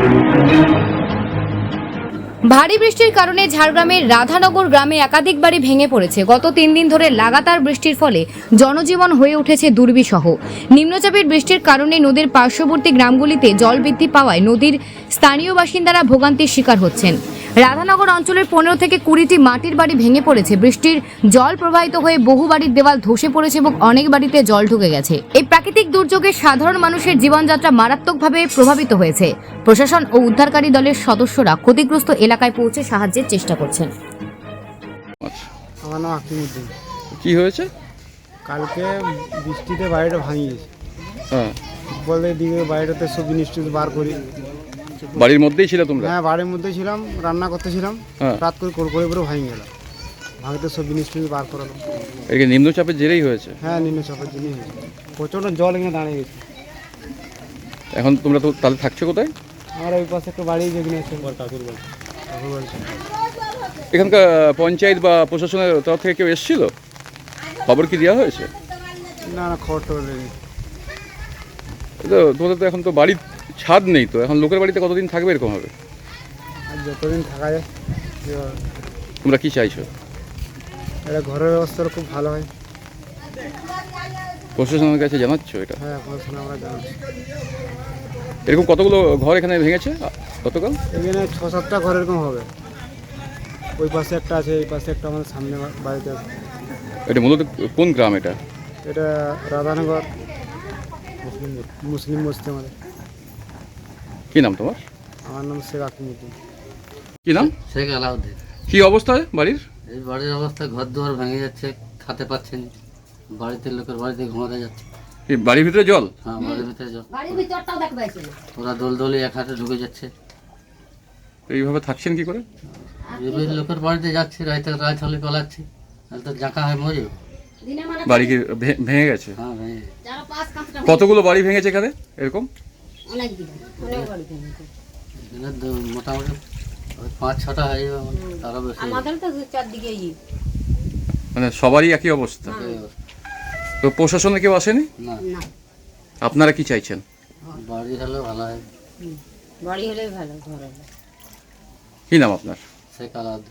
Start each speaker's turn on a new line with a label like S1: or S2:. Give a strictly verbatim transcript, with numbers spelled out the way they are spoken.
S1: ভারী বৃষ্টির কারণে ঝাড়গ্রামের রাধানগর গ্রামে একাধিক বাড়ি ভেঙে পড়েছে। গত তিন দিন ধরে লাগাতার বৃষ্টির ফলে জনজীবন হয়ে উঠেছে দুর্বিষহ। নিম্নচাপের বৃষ্টির কারণে নদীর পার্শ্ববর্তী গ্রামগুলিতে জল বৃদ্ধি পাওয়ায় নদীর স্থানীয় বাসিন্দারা ভোগান্তির শিকার হচ্ছেন। রাধানগর অঞ্চলের পনেরো থেকে কুড়িটি মাটির বাড়ি ভেঙে পড়েছে। বৃষ্টির জল প্রবাহিত হয়ে বহু বাড়ির দেওয়াল ধসে পড়েছে এবং অনেক বাড়িতে জল ঢুকে গেছে। এই প্রাকৃতিক দুর্যোগে সাধারণ মানুষের জীবনযাত্রা মারাত্মকভাবে প্রভাবিত হয়েছে। প্রশাসন ও উদ্ধারকারী দলের সদস্যরা ক্ষতিগ্রস্ত এলাকায় পৌঁছে সাহায্যের চেষ্টা করছেন।
S2: আমার নাম আকিমুদ্দিন।
S3: কি হয়েছে?
S2: কালকে বৃষ্টিতে বাড়িটা ভাঙিয়ে গেছে।
S3: হ্যাঁ,
S2: বলে দিকে বাড়িটাতে সব জিনিস টিনিস বার করি।
S3: বাড়ির মধ্যেই ছিল তোমরা?
S2: হ্যাঁ, বাড়ির মধ্যে ছিলাম, রান্না করতেছিলাম।
S3: হ্যাঁ।
S2: রাত করে করে করে ভাঙে গেল। ভাঙতে সব জিনিস টিনিস বার করালো।
S3: এই নিম্নচাপের জেরেই হয়েছে?
S2: হ্যাঁ, নিম্নচাপের জিনিস হয়েছে। প্রচণ্ড জল এখানে দাঁড়িয়ে গেছে।
S3: এখন তোমরা তো তাহলে থাকছো কোথায়?
S2: আমার ওই পাশে একটা বাড়ি যেখানে আছে কাকুর বাড়ি। কাকুর বাড়ি।
S3: এখানকার পঞ্চায়েত বা প্রশাসনের তরফ থেকে কেউ এসেছিল? খবর কি দেওয়া হয়েছে?
S2: না না, খবর টবর নেই।
S3: তো তোমাদের তো এখন তো বাড়ির ছাদ নেই, তো এখন লোকের বাড়িতে কতদিন থাকবে এরকম হবে?
S2: আর যতদিন থাকা যায়
S3: তোমরা কি চাইছো?
S2: এটা ঘরের ব্যবস্থাটা খুব ভালো হয়।
S3: প্রশাসনের কাছে জানাচ্ছ এটা?
S2: হ্যাঁ, পড়াশোনা আমরা জানাচ্ছি।
S3: এরকম কতগুলো ঘর এখানে ভেঙেছে গতকাল?
S2: এখানে ছ সাতটা ঘর এরকম হবে। ওই পাশে একটা আছে, এই পাশে একটা আমাদের সামনে বাড়িতে আছে।
S3: এটা মূলত কোন গ্রাম এটা?
S2: এটা রাধানগর মুসলিম বস্তি আমাদের।
S3: কি নাম তোমার?
S2: আমার নাম শেখ আকিমুদ্দিন।
S3: কি নাম?
S4: শেখ আলাউদ্দিন।
S3: কি অবস্থা বাড়ির?
S4: এই বাড়ির অবস্থা, ঘর দুয়ার ভেঙে যাচ্ছে, খেতে পাচ্ছেন, বাড়িতে লোকের বাড়িতে ঘুমাতে যাচ্ছে।
S3: এই বাড়ির ভিতরে জল?
S4: হ্যাঁ, বাড়ির ভিতরে জল। ওরা দোলদলি এক হাতে ঢুকে যাচ্ছে।
S3: এইভাবে থাকছেন কি করে?
S4: এবার লোকের বাড়িতে যাচ্ছে, রাইতে রাত হলে পালাচ্ছে, তাহলে তো জাঁকা হয় মরে।
S3: বাড়ি কি ভে- ভেঙে গেছে?
S4: হ্যাঁ, ভেঙে
S3: কতগুলো বাড়ি ভেঙেছে এখানে এরকম?
S4: এখানে দু- মোটামুটি ওই পাঁচ ছটা হয়ে যাবে, আমার তারও বেশি।
S3: মানে সবারই একই অবস্থা? তো প্রশাসনে কেউ আসেনি?
S4: না,
S3: আপনারা কি চাইছেন?
S4: বাড়ি হলে ভালো হয়।
S5: বাড়ি হলে ভালো, ঘর হলে।
S3: কি নাম আপনার?
S4: শেখ আলাউদ্দিন।